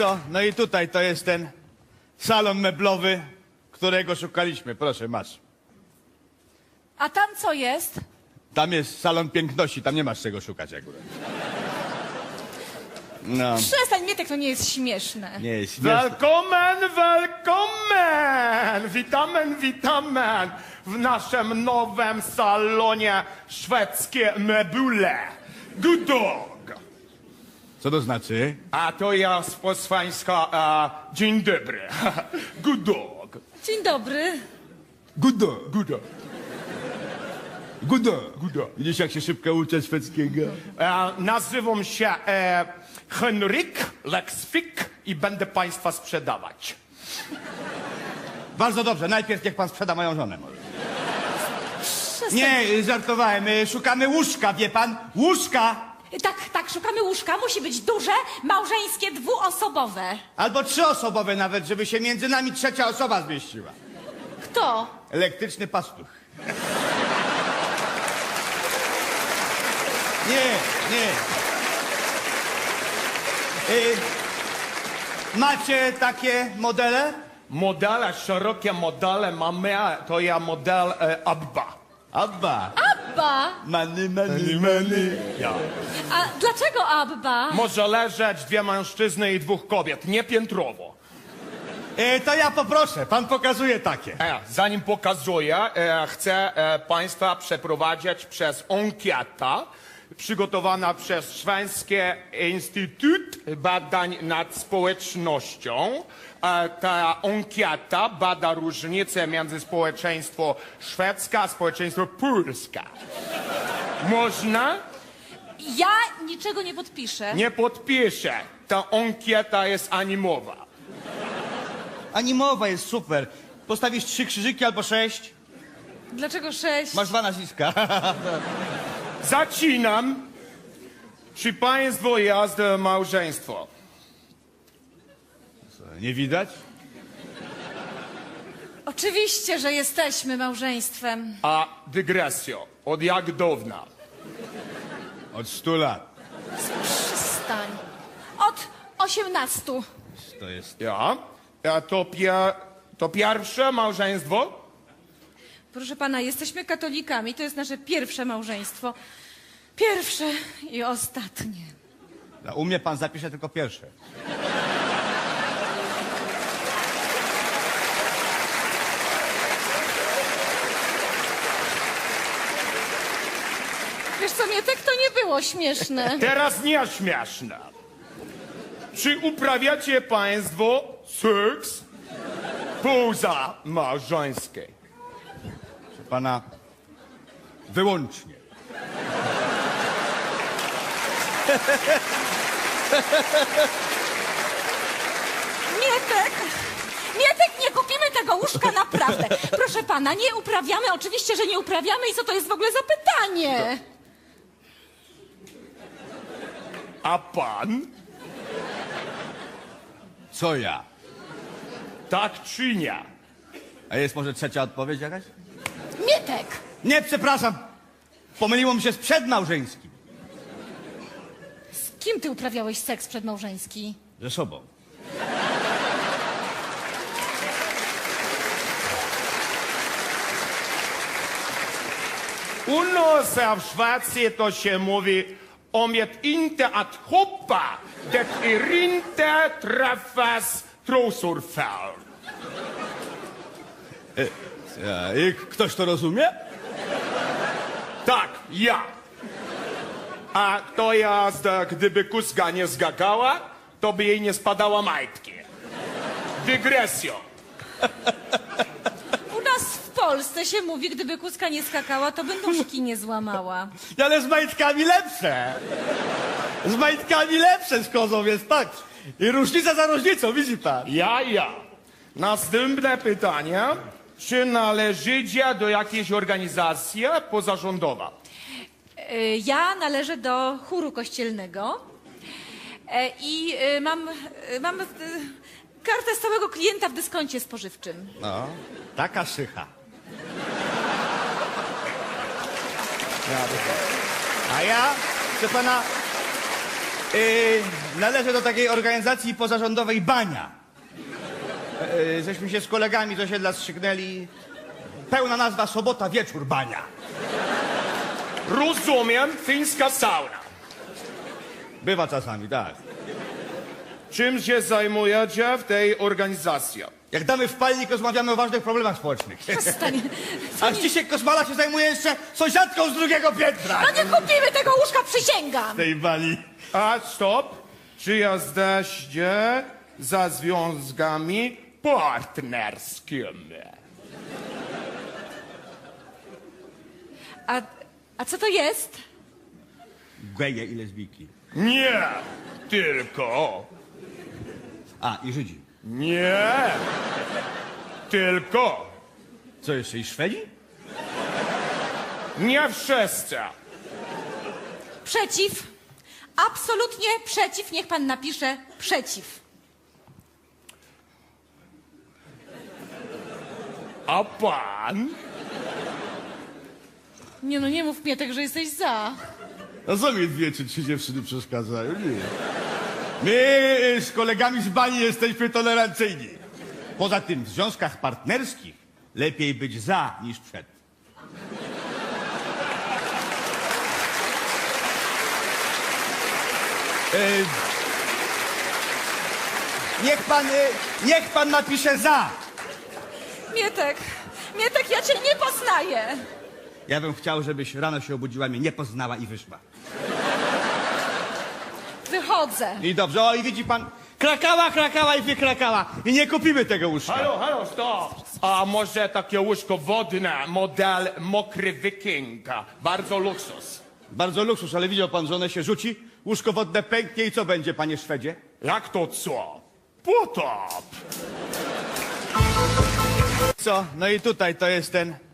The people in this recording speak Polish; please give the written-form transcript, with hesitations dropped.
co? No i tutaj to jest ten salon meblowy, którego szukaliśmy. Proszę, masz. A tam co jest? Tam jest salon piękności, tam nie masz czego szukać akurat. No, Przestań, Mietek, to nie jest śmieszne. nie jest śmieszne. Willkommen, willkommen! Witamy w naszym nowym salonie szwedzkie meble. Good dog! Co to znaczy? A to jest po swańska dzień dobry. Good dog. Dzień dobry. Good dog. Good dog. Good dog. Good dog. Widzisz, jak się szybko uczę szwedzkiego? Nazywam się Henryk Lexfik i będę państwa sprzedawać. Bardzo dobrze, najpierw niech pan sprzeda moją żonę może. Przestań. Nie, żartowałem. Szukamy łóżka, wie pan? Łóżka! Tak, szukamy łóżka. Musi być duże, małżeńskie, dwuosobowe. Albo trzyosobowe nawet, żeby się między nami trzecia osoba zmieściła. Kto? Elektryczny pastuch. Nie. Macie takie modele? Modele, szerokie modele mamy, to ja model Abba. Abba. Abba. Money. Ja. A dlaczego Abba? Może leżeć dwie mężczyzny i dwóch kobiet, nie piętrowo. To ja poproszę, pan pokazuje takie. Zanim pokazuję, chcę państwa przeprowadzić przez ankietę przygotowana przez Szwedzki Instytut Badań nad Społecznością. Ta ankieta bada różnice między społeczeństwo szwedzkie a społeczeństwo polskie. Można? Ja niczego nie podpiszę. Nie podpiszę. Ta ankieta jest animowa. Animowa jest super. Postawisz 3 krzyżyki albo 6. Dlaczego 6? Masz 2 nazwiska. Zaczynam. Czy państwo jest małżeństwo? Nie widać? Oczywiście, że jesteśmy małżeństwem. A dygresjo, od jak dawna? Od 100 lat. Przestań. Od 18. To jest... Ja? To pierwsze małżeństwo? Proszę pana, jesteśmy katolikami. To jest nasze pierwsze małżeństwo. Pierwsze i ostatnie. U mnie pan zapisze tylko pierwsze. Wiesz co, Mietek, to nie było śmieszne. Teraz nie śmieszne. Czy uprawiacie państwo seks poza małżeńskiej? Proszę pana, wyłącznie. Mietek, nie kupimy tego łóżka, naprawdę. Proszę pana, nie uprawiamy, oczywiście, że nie uprawiamy i co to jest w ogóle za pytanie? A pan? Co ja? Tak czy nie? A jest może trzecia odpowiedź jakaś? Mietek! Nie, przepraszam. Pomyliło mi się z przedmałżeńskim. Z kim ty uprawiałeś seks przedmałżeński? Ze sobą. U nas w Szwecji to się mówi om ett inte att hoppa, det är inte träffas trosor för. I ktoś to rozumie? Tak, ja. A to jest, gdyby kuska nie zgagała, to by jej nie spadała majtki. Dygresjo. U nas w Polsce się mówi, gdyby kuska nie skakała, to by nóżki nie złamała. Ale z majtkami lepsze. Z majtkami lepsze z kozą jest, tak. I różnica za różnicą, widzi pan. Ja. Następne pytanie. Czy należycie do jakiejś organizacji pozarządowej? Ja należę do chóru kościelnego i mam kartę stałego klienta w dyskoncie spożywczym. No, taka szycha. A ja, proszę pana, Należę do takiej organizacji pozarządowej Bania. Żeśmy się z kolegami z osiedla strzyknęli. Pełna nazwa Sobota Wieczór Bania. Rozumiem, fińska sauna. Bywa czasami, tak. Czym się zajmujecie w tej organizacji? Jak damy w palnik, rozmawiamy o ważnych problemach społecznych. Przestań. A Zdzisiek Kosmala się zajmuje jeszcze sąsiadką z drugiego piętra. No nie kupimy tego łóżka, przysięgam. Tej bani. A stop, czy jesteście za związkami partnerskimi? A co to jest? Geje i lesbijki. Nie, tylko. A, i Żydzi. Nie, tylko. Co jeszcze, i Szwedzi? Nie wszyscy. Przeciw. Absolutnie przeciw. Niech pan napisze przeciw. A pan? Nie no, nie mów Mietek, że jesteś za. A co mi 2 czy 3 dziewczyny przeszkadzają? Nie. My z kolegami z bani jesteśmy tolerancyjni. Poza tym w związkach partnerskich lepiej być za niż przed. Niech pan napisze za. Mietek, ja cię nie poznaję. Ja bym chciał, żebyś rano się obudziła, mnie nie poznała i wyszła. Wychodzę. I dobrze, o i widzi pan, krakała i wykrakała. I nie kupimy tego łóżka. Halo, stop. A może takie łóżko wodne, model mokry wiking. Bardzo luksus. Bardzo luksus, ale widział pan, że one się rzuci, łóżko wodne pęknie i co będzie, panie Szwedzie? Jak to co? Potop. Co? No i tutaj to jest ten